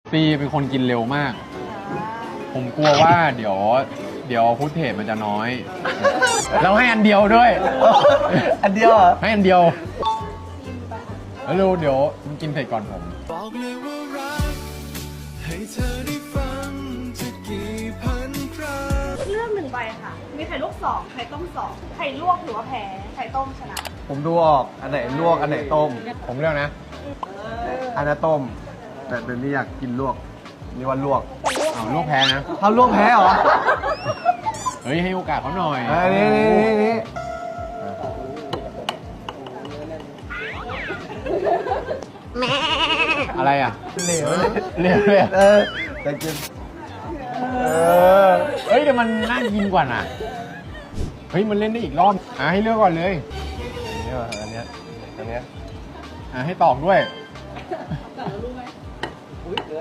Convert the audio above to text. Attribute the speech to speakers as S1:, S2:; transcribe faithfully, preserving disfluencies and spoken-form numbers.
S1: ปีเป็นคนกินเร็วมาก ผมกลัวว่าเดี๋ยว เดี๋ยวฟุตเทจมันจะน้อย เราให้อันเดียวด้วย
S2: อันเดียวเหรอ
S1: ให้อันเดียวแล้วเร็วเดี๋ยวมันกินเสร็จก่อนผม
S3: บอกเลยว่ารักให้เธอได้ฟังจะกี่พันครั้ง
S4: เลือกหนึ่งใบค่ะ มีไข่ลวกสองไข่ต้มสองไข่ลวกถือว่าแพ้ ไข่ต้มชนะ
S2: ผมดูออก อันไหนลวก อันไหนต้ม
S1: ผมเลือกนะ
S2: อันนั้นต้ม แต่เดี๋ยวนี้อยากกินลวก นี่ว่าลวก
S1: อ้าวลูกแพ้นะ
S2: เขาลวกแพ้เหรอ
S1: เฮ้ยให้โอกาสเขาหน่อย
S2: อันนี้นี่นี่นี่
S1: อะไรอ่ะ
S2: เหลวเลย
S1: เรียกเรียก
S2: เออแต่กินเออ
S1: เฮ้ยแต่มันน่ากินกว่าน่ะ เฮ้ยมันเล่นได้อีกรอบ อ่ะให้เลือกก่อนเลย
S2: นี่ว่ะอันเนี้ยอันเนี้ย
S1: อ่ะให้ตอกด้วย